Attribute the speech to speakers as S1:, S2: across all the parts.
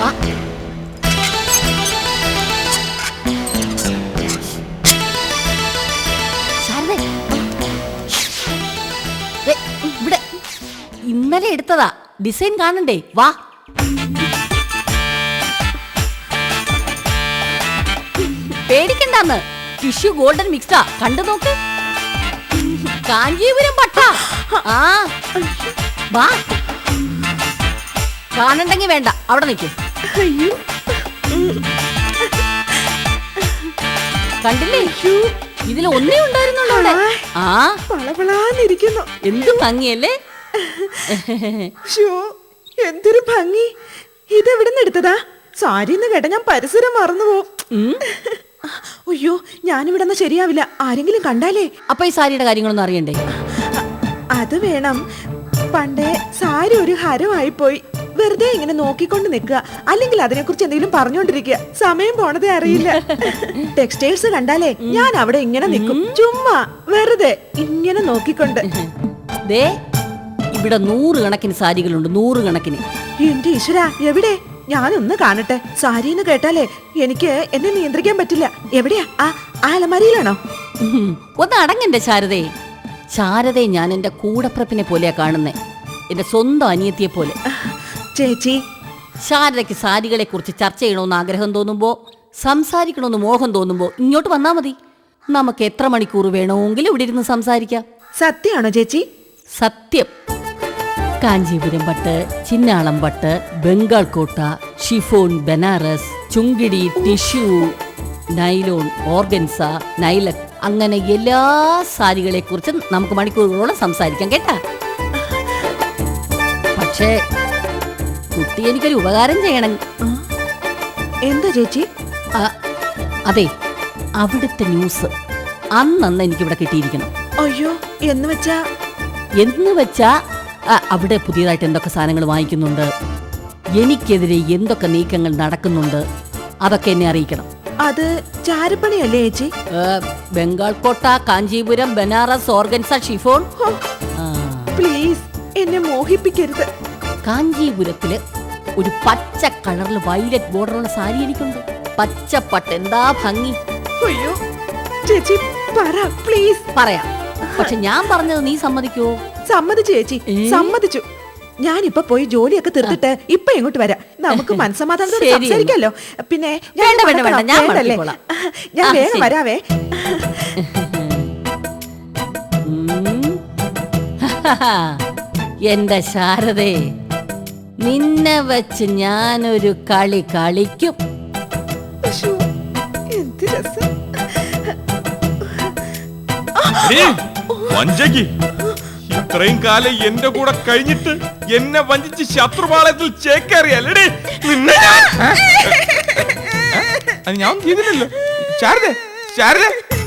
S1: ഇവിടെ ഇന്നലെ എടുത്തതാ, ഡിസൈൻ കാണണ്ടേ? വാ. പേടിക്കണ്ടെന്ന്, ടിഷ്യൂ ഗോൾഡൻ മിക്സാ, കണ്ടു നോക്ക്. കാഞ്ചീപുരം പട്ട. ആ വാ. കാണണ്ടെങ്കി വേണ്ട, അവിടെ നിൽക്കും. കണ്ടില്ലേ? ഇതിൽ ഒന്നേ ഉണ്ടായിരുന്നുള്ളൂ അവിടെ. ആ
S2: പളപളാന്നിരിക്കുന്നു.
S1: എന്ത് ഭംഗിയല്ലേ?
S2: എന്തൊരു ഭംഗി. ഇതെവിടുന്ന് എടുത്തതാ? സാരിന്ന് കേട്ട ഞാൻ പരിസരം മറന്നുപോകും. അയ്യോ, ഞാനിവിടെന്ന് ശരിയാവില്ല, ആരെങ്കിലും കണ്ടാലേ.
S1: അപ്പൊ ഈ സാരിയുടെ കാര്യങ്ങളൊന്നും അറിയണ്ടേ?
S2: അത് വേണം. പണ്ടേ സാരി ഒരു ഹരമായി പോയി. വെറുതെ ഇങ്ങനെ നോക്കിക്കൊണ്ട് നിൽക്കുക, അല്ലെങ്കിൽ അതിനെ കുറിച്ച് എന്തെങ്കിലും പറഞ്ഞോണ്ടിരിക്കുക. സമയം പോണതേ അറിയില്ല. ടെക്സ്റ്റൈൽസ് കണ്ടാലേ ഞാൻ അവിടെ ഇങ്ങനെ നിൽക്കും, ചുമ്മാ വെറുതെ ഇങ്ങനെ നോക്കിക്കൊണ്ട്.
S1: ദേ ഇവിടെ 100 കണക്കിന് സാരികളുണ്ട്, 100 കണക്കിന്.
S2: എന്റെ ഈശ്വര, എവിടെ? ഞാനൊന്ന് കാണട്ടെ. സാരിന്ന് കേട്ടാലേ എനിക്ക് എന്നെ നിയന്ത്രിക്കാൻ പറ്റില്ല. എവിടെയാ? ആ അലമാരിയിലാണോ?
S1: ഒന്ന് അടങ്ങന്റെ ശാരദേ. ശാരദയെ ഞാൻ എന്റെ കൂടപ്പിറപ്പിനെ പോലെയാ കാണുന്നേ, എന്റെ സ്വന്തം അനിയത്തിയെ പോലെ.
S2: ചേച്ചി,
S1: ശാരദയ്ക്ക് സാരികളെ കുറിച്ച് ചർച്ച ചെയ്യണമെന്ന് ആഗ്രഹം തോന്നുമ്പോ, സംസാരിക്കണമെന്ന് മോഹം തോന്നുമ്പോ ഇങ്ങോട്ട് വന്നാ മതി. നമുക്ക് എത്ര മണിക്കൂർ വേണമെങ്കിലും ഇവിടെ ഇരുന്ന് സംസാരിക്കാം.
S2: സത്യമാണോ ചേച്ചി?
S1: സത്യം. കാഞ്ചീപുരം പട്ട്, ചിന്നാളം പട്ട്, Bengal Kota, chiffon, Banaras, Chungidi, tissue, nylon, organza, നൈലക്, അങ്ങനെ എല്ലാ സാരികളെ കുറിച്ചും നമുക്ക് മണിക്കൂറുകളോളം സംസാരിക്കാം കേട്ടാ. പക്ഷേ കുട്ടി എനിക്കൊരു ഉപകാരം ചെയ്യണം.
S2: എന്താ ചേച്ചി?
S1: അതെ, അവിടുത്തെ ന്യൂസ് അന്നന്ന് എനിക്കിവിടെ കിട്ടിയിരിക്കണം.
S2: അയ്യോ,
S1: എന്ന് വെച്ചാ അവിടെ പുതിയതായിട്ട് എന്തൊക്കെ സാധനങ്ങൾ വാങ്ങിക്കുന്നുണ്ട്, എനിക്കെതിരെ എന്തൊക്കെ നീക്കങ്ങൾ നടക്കുന്നുണ്ട്, അതൊക്കെ എന്നെ അറിയിക്കണം.
S2: അത് ചാരപ്പണിയല്ലേ ചേച്ചി?
S1: Bengal Kota, Kanchipuram, Banaras, organza, chiffon.
S2: Please എന്നെ മോഹിപ്പിക്കരുത്.
S1: കാഞ്ചീപുരത്തില് ഒരു പച്ച കളറിൽ വയലറ്റ് ബോർഡറുള്ള സാരി എനിക്കുണ്ട്. പച്ചപ്പട്ട്, എന്താ ഭംഗി.
S2: അയ്യോ ചേച്ചി പറ പ്ലീസ്.
S1: പറയാം, പക്ഷെ ഞാൻ പറഞ്ഞത് നീ സമ്മതിക്കോ?
S2: സമ്മതിച്ചു ചേച്ചി, സമ്മതിച്ചു. ഞാനിപ്പൊ പോയി ജോലിയൊക്കെ തീർത്തിട്ട് ഇപ്പൊ ഇങ്ങോട്ട് വരാം. നമുക്ക് മനസ്സമാധാനത്തോടെ സംസാരിക്കാലോ. പിന്നെ ഞാൻ വേഗം വരാവേ.
S1: എന്റെ ശാരദേ, നിന്നെ വെച്ച് ഞാനൊരു കളി കളിക്കും.
S2: എന്ത് രസം.
S3: ഇത്രയും കാലം എന്റെ കൂടെ കഴിഞ്ഞിട്ട് എന്നെ വഞ്ചിച്ച് ശത്രുപാളയത്തിൽ ചേക്കേറിയല്ലേ നിന്നെ? ഞാൻ ചെയ്തില്ലല്ലോ. ശാരദ, ശാരദ,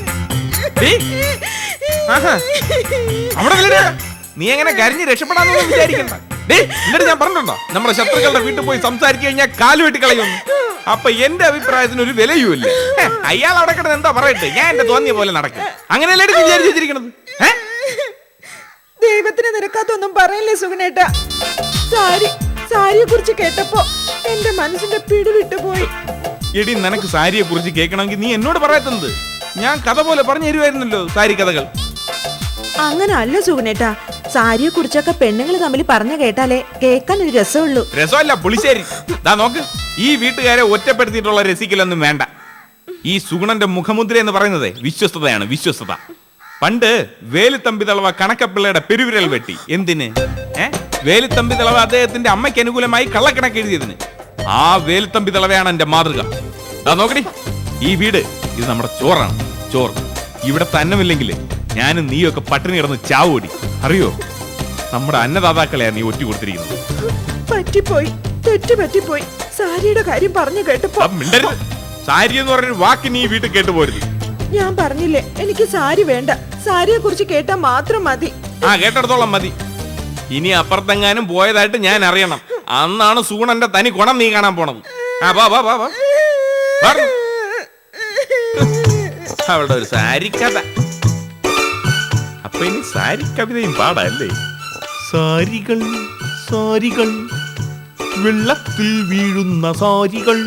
S3: അവിടെ നീ എങ്ങനെ കരഞ്ഞ് രക്ഷപ്പെടാന്ന് വിചാരിക്കണ്ട. എന്നിട്ട് ഞാൻ പറഞ്ഞിട്ടുണ്ടോ നമ്മുടെ ശത്രുക്കളുടെ വീട്ടിൽ പോയി സംസാരിച്ചു കഴിഞ്ഞാൽ കാല് വെട്ടി കളയുന്നു? അപ്പൊ എന്റെ അഭിപ്രായത്തിന് ഒരു വിലയുമില്ല. അയാൾ അവിടെ കിടന്ന് എന്താ പറയട്ടെ, ഞാൻ എന്റെ തോന്നിയ പോലെ നടക്കും. അങ്ങനെയല്ലേ വിചാരിച്ചു വെച്ചിരിക്കണത്?
S2: ദൈവത്തിന് നിരക്കാത്തൊന്നും പറയല്ലേ സുഗുണേട്ടാ. സാരിയെ കുറിച്ച് കേട്ടപ്പോ എന്റെ മനസ്സിന്റെ പിടി വിട്ടുപോയി.
S3: എടി, നിനക്ക് സാരിയെ കുറിച്ച് കേൾക്കണമെങ്കിൽ നീ എന്നോട് പറയാത്തത്? ഞാൻ കഥ പോലെ പറഞ്ഞു തരുമായിരുന്നല്ലോ സാരി കഥകൾ.
S2: അങ്ങനെ അല്ല സുഗുണേട്ടാ, സാരിയെ കുറിച്ചൊക്കെ പെണ്ണുങ്ങൾ തമ്മിൽ പറഞ്ഞു കേട്ടാലേ കേൾക്കാൻ ഒരു രസമുള്ളൂ.
S3: രസമല്ല, പുളിശ്ശേരി. ദാ നോക്ക്, ഈ വീട്ടുകാരെ ഒറ്റപ്പെടുത്തിയിട്ടുള്ള രസിക്കലൊന്നും വേണ്ട. ഈ സുഗുണന്റെ മുഖമുദ്ര എന്ന് പറയുന്നത് വിശ്വസ്തതയാണ്, വിശ്വസ്തത. പണ്ട് വേലുത്തമ്പി തളവ കണക്കപ്പിള്ളയുടെ പെരുവിരൽ വെട്ടി. എന്തിന്? വേലുത്തമ്പി തളവ അദ്ദേഹത്തിന്റെ അമ്മയ്ക്ക് അനുകൂലമായി കള്ളക്കണക്ക് എഴുതിയതിന്. ആ വേലുത്തമ്പി തളവയാണ് എന്റെ മാതൃക. ദാ നോക്കടി, ഈ വീട് ഇത് നമ്മുടെ ചോറാണ്, ചോറ്. ഇവിടെ തന്നമില്ലെങ്കിൽ ഞാനും നീയൊക്കെ പട്ടിണി കിടന്ന് ചാവോടി. അറിയോ, നമ്മുടെ അന്നദാതാക്കളെയാ നീ ഒറ്റ കൊടുത്തിരിക്കുന്നത്.
S2: പറ്റിപ്പോയി, തെറ്റുപറ്റിപ്പോയി. സാരിയുടെ കാര്യം പറഞ്ഞു കേട്ടപ്പോ.
S3: സാരി എന്ന് പറഞ്ഞൊരു വാക്ക് നീ വീട്ടിൽ കേട്ടുപോരുത്.
S2: ഞാൻ പറഞ്ഞില്ലേ എനിക്ക് സാരി വേണ്ട. സാരിയെ കുറിച്ച് കേട്ടാ മാത്രം മതി.
S3: കേട്ടിടത്തോളം മതി. ഇനി അപ്പുറത്തെങ്ങാനും പോയതായിട്ട് ഞാൻ അറിയണം. അന്നാണ് സൂണന്റെ തനി ഗുണം നീ കാണാൻ പോണത്. അവളുടെ ഒരു സാരി കഥ. അപ്പൊ ഇനി സാരി കവിതയും പാടല്ലേ? സാരികൾ സാരികൾ വെള്ളത്തിൽ വീഴുന്ന സാരികൾ.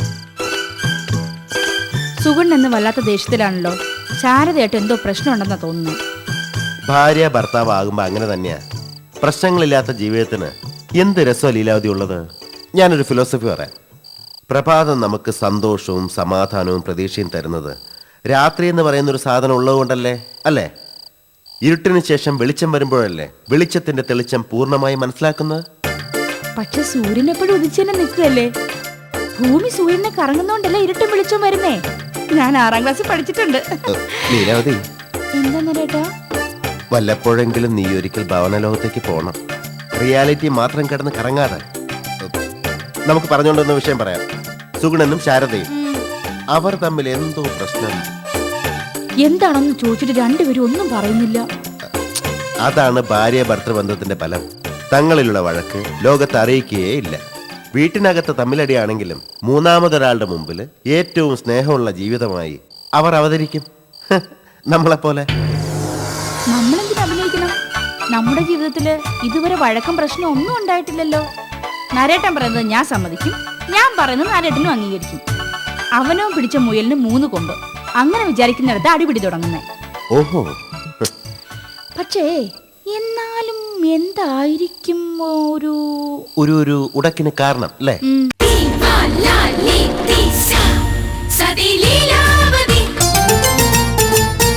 S4: സുഗുൺ എന്ന് വല്ലാത്ത ദേഷ്യത്തിലാണല്ലോ. ശാരദയായിട്ട് എന്തോ പ്രശ്നമുണ്ടെന്നാ തോന്നുന്നു.
S5: ഭാര്യ ഭർത്താവ് ആകുമ്പോ അങ്ങനെ തന്നെയാ. പ്രശ്നങ്ങളില്ലാത്ത ജീവിതത്തിന് എന്ത് രസമാണ് ലീലാവതി ഉള്ളത്. ഞാനൊരു ഫിലോസഫി പറയാം. പ്രഭാതം നമുക്ക് സന്തോഷവും സമാധാനവും പ്രതീക്ഷയും തരുന്നത് രാത്രി എന്ന് പറയുന്ന ഒരു സാധനം ഉള്ളതുകൊണ്ടല്ലേ? അല്ലേ? ഇരുട്ടിന് ശേഷം വെളിച്ചം വരുമ്പോഴല്ലേ വെളിച്ചത്തിന്റെ തെളിച്ചം പൂർണ്ണമായി മനസ്സിലാക്കുന്നത്?
S4: പക്ഷെ സൂര്യൻ എപ്പോഴും ഉദിച്ചെന്നെ നിൽക്കുകയല്ലേ. ഭൂമി സൂര്യനെ കറങ്ങുന്നോണ്ടല്ലേ ഇരുട്ടും വെളിച്ചം വരുന്നേ. ഞാൻ 6ാം ക്ലാസ്സിൽ പഠിച്ചിട്ടുണ്ട്.
S5: ലീലാവതി,
S4: എന്താ നരേട്ടാ?
S5: വല്ലപ്പോഴെങ്കിലും നീ ഒരിക്കൽ ഭവനലോകത്തേക്ക് പോകണം. റിയാലിറ്റി മാത്രം കിടന്ന് കറങ്ങാതെ. നമുക്ക് പറഞ്ഞുകൊണ്ടുവന്ന വിഷയം പറയാം. സുഗുണനും ശാരദയും അവർ തമ്മിൽ എന്തോ പ്രശ്നം.
S4: എന്താണെന്ന് ചോദിച്ചിട്ട് രണ്ടുപേരും ഒന്നും പറയുന്നില്ല.
S5: അതാണ് ഭാര്യ ഭർത്തൃബന്ധത്തിന്റെ ഫലം. തങ്ങളിലുള്ള വഴക്ക് ലോകത്ത് അറിയിക്കുകയേ ഇല്ല. വീട്ടിനകത്ത് തമ്മിലടിയാണെങ്കിലും മൂന്നാമതൊരാളുടെ മുമ്പിൽ ഏറ്റവും സ്നേഹമുള്ള ജീവിതമായി അവർ അവതരിക്കും. നമ്മളെപ്പോലെ.
S4: നമ്മളെന്തിനു അഭിനയിക്കണം? നമ്മുടെ ജീവിതത്തില് ഇതുവരെ വഴക്കം പ്രശ്നം ഒന്നും ഉണ്ടായിട്ടില്ലല്ലോ. നരേട്ടൻ പറയുന്നത് ഞാൻ സമ്മതിക്കും, ഞാൻ പറയുന്നത് നരേട്ടനും അംഗീകരിക്കും. അവനോ പിടിച്ച മുയലിന് 3 കൊമ്പ്. അങ്ങനെ വിചാരിക്കുന്നിടത്ത് അടിപിടി തുടങ്ങുന്നേ.
S5: ഓഹോ.
S4: പക്ഷേ എന്നാലും എന്തായിരിക്കും ഒരു
S5: ഒരു ഉടക്കിന് കാരണം അല്ലേ?